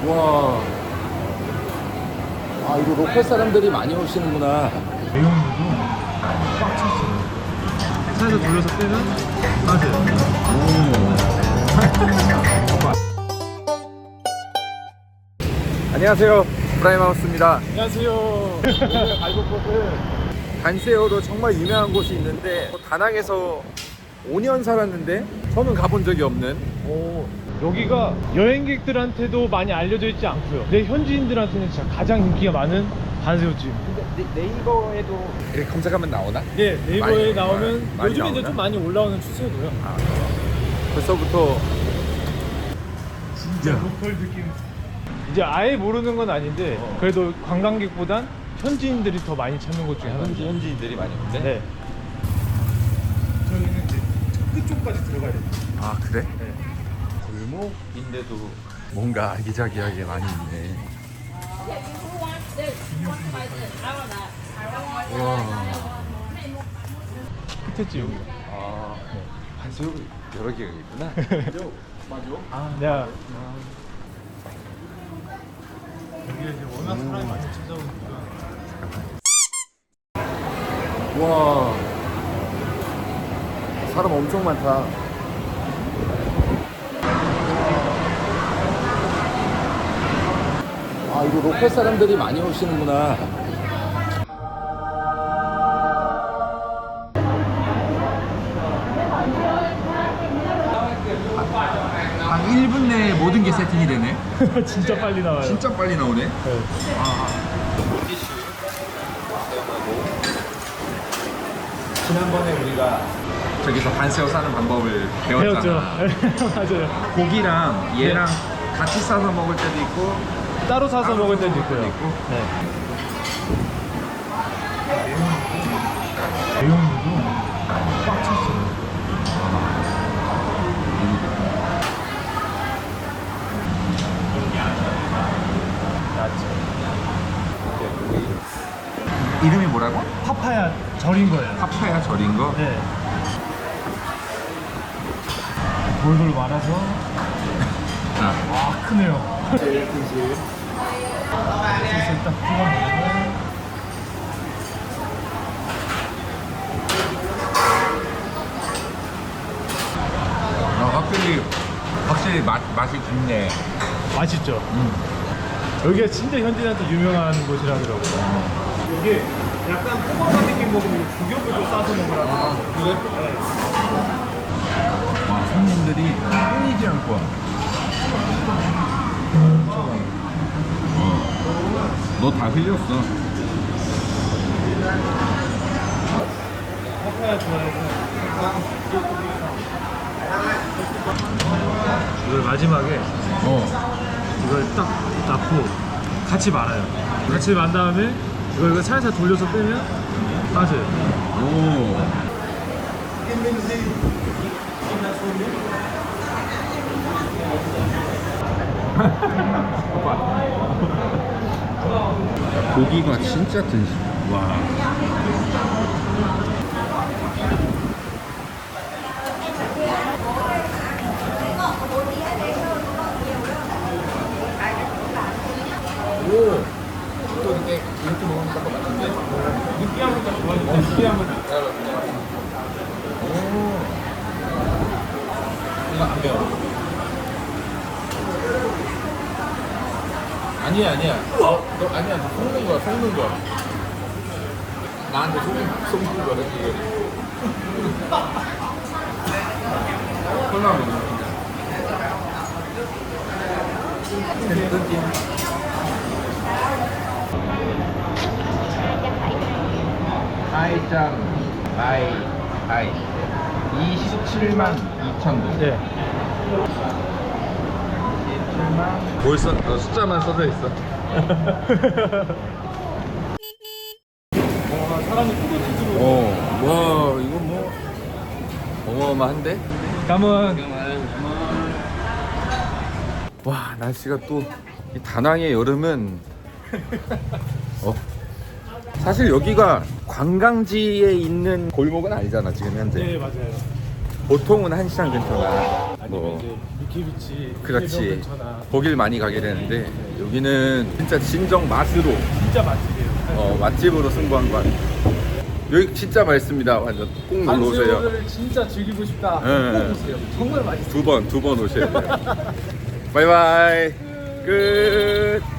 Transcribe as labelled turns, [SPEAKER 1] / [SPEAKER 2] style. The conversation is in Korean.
[SPEAKER 1] 와. 아, 이거 로컬 사람들이 많이 오시는구나.
[SPEAKER 2] 내용물도 꽉 찼어요. 차에서 돌려서 빼면 맞아요.
[SPEAKER 1] 안녕하세요. 프라임하우스입니다.
[SPEAKER 2] 안녕하세요. 오늘 갈 곳은
[SPEAKER 1] 단세어로 정말 유명한 곳이 있는데 다낭에서 5년 살았는데 저는 가본 적이 없는.
[SPEAKER 2] 여기가 여행객들한테도 많이 알려져 있지 않고요. 내 현지인들한테는 진짜 가장 인기가 많은 반새우집.
[SPEAKER 1] 근데 네이버에도 이렇게 검색하면 나오나?
[SPEAKER 2] 네, 네이버에
[SPEAKER 1] 많이,
[SPEAKER 2] 나오면
[SPEAKER 1] 많이
[SPEAKER 2] 요즘에 이제
[SPEAKER 1] 나오나?
[SPEAKER 2] 좀 많이 올라오는 추세고요.
[SPEAKER 1] 벌써부터
[SPEAKER 2] 진짜 로컬 느낌. 이제 아예 모르는 건 아닌데 그래도 관광객보단 현지인들이 더 많이 찾는 곳 중에 하나입니다.
[SPEAKER 1] 현지인들이 많이 오는데?
[SPEAKER 2] 네. 저희는 이제 끝쪽까지 들어가야 돼요.
[SPEAKER 1] 아, 그래?
[SPEAKER 2] 네.
[SPEAKER 1] 골목인데도 뭔가 아기자기하게 많이 있네. 와.
[SPEAKER 2] 끝에 여기.
[SPEAKER 1] 아, 한새우 여러 개가 있구나.
[SPEAKER 2] 아, 내가 여기가 이제 워낙 사람이 많이 찾아오니까.
[SPEAKER 1] 와. 사람 엄청 많다. 아, 이거 로컬 사람들이 많이 오시는구나. 한 1분 내에 모든 게 세팅이 되네.
[SPEAKER 2] 진짜 빨리 나와요.
[SPEAKER 1] 진짜 빨리 나오네.
[SPEAKER 2] 네.
[SPEAKER 1] 지난번에 우리가 저기서 반새우 싸는 방법을 배웠잖아.
[SPEAKER 2] 배웠죠. 맞아요.
[SPEAKER 1] 고기랑 얘랑 같이 싸서 먹을 때도 있고
[SPEAKER 2] 따로 사서
[SPEAKER 1] 따로
[SPEAKER 2] 먹을 때도
[SPEAKER 1] 먹을
[SPEAKER 2] 있고요.
[SPEAKER 1] 때도 있고.
[SPEAKER 2] 네. 내용물도 꽉 찼어요.
[SPEAKER 1] 이름이 뭐라고?
[SPEAKER 2] 파파야 절인 거예요.
[SPEAKER 1] 파파야 절인 거?
[SPEAKER 2] 네. 돌돌 말아서 와 크네요. 소스를 딱 찍어 먹으면
[SPEAKER 1] 확실히 맛이 깊네.
[SPEAKER 2] 맛있죠. 여기가 진짜 현지인한테 유명한 곳이라더라고요. 이게 약간 토마토 느낌 먹으면 주겹을 싸서 먹으라고.
[SPEAKER 1] 그래? 와, 손님들이 끊이지 않고 와. 너 다 흘렸어.
[SPEAKER 2] 파파야 좋아해서 이걸 마지막에 이걸 딱 넣고 같이 말아요. 같이 만 다음에 이걸 살살 돌려서 빼면 빠져요.
[SPEAKER 1] 오. 고기가 진짜 든실. 와. 오. 또 이렇게 먹으니까 더 맛있네.
[SPEAKER 2] 느끼한 것도 좋아하니까 느끼한 거.
[SPEAKER 1] 오. 이거 안 매워. 아니야. 너 아니야. 너 속는 거야. 나한테 속는 거야. 이거. 콜라보. 하이짱 하이 27만 2천 동.
[SPEAKER 2] 네.
[SPEAKER 1] 벌써 숫자만 써져 있어.
[SPEAKER 2] 와 사람이 뿌듯해지고.
[SPEAKER 1] 와 이거 뭐 어마어마한데?
[SPEAKER 2] 감은
[SPEAKER 1] 와 날씨가 또 이 다낭의 여름은 사실 여기가 관광지에 있는 골목은 아니잖아 지금 현재.
[SPEAKER 2] 네 맞아요.
[SPEAKER 1] 보통은 한시장 근처나
[SPEAKER 2] 아니면
[SPEAKER 1] 뭐
[SPEAKER 2] 이제 미키비치
[SPEAKER 1] 그렇지
[SPEAKER 2] 근처나
[SPEAKER 1] 거길 많이 가게 되는데 여기는 진짜 진정 맛으로
[SPEAKER 2] 진짜 맛집이에요.
[SPEAKER 1] 맛집으로 승부한 것 같아요. 여기 진짜 맛있습니다. 완전 꼭 놀러 오세요.
[SPEAKER 2] 한새우를 진짜 즐기고 싶다.
[SPEAKER 1] 네.
[SPEAKER 2] 꼭 오세요. 정말 맛있어요.
[SPEAKER 1] 두 번 오셔야 돼요. 바이바이 끝.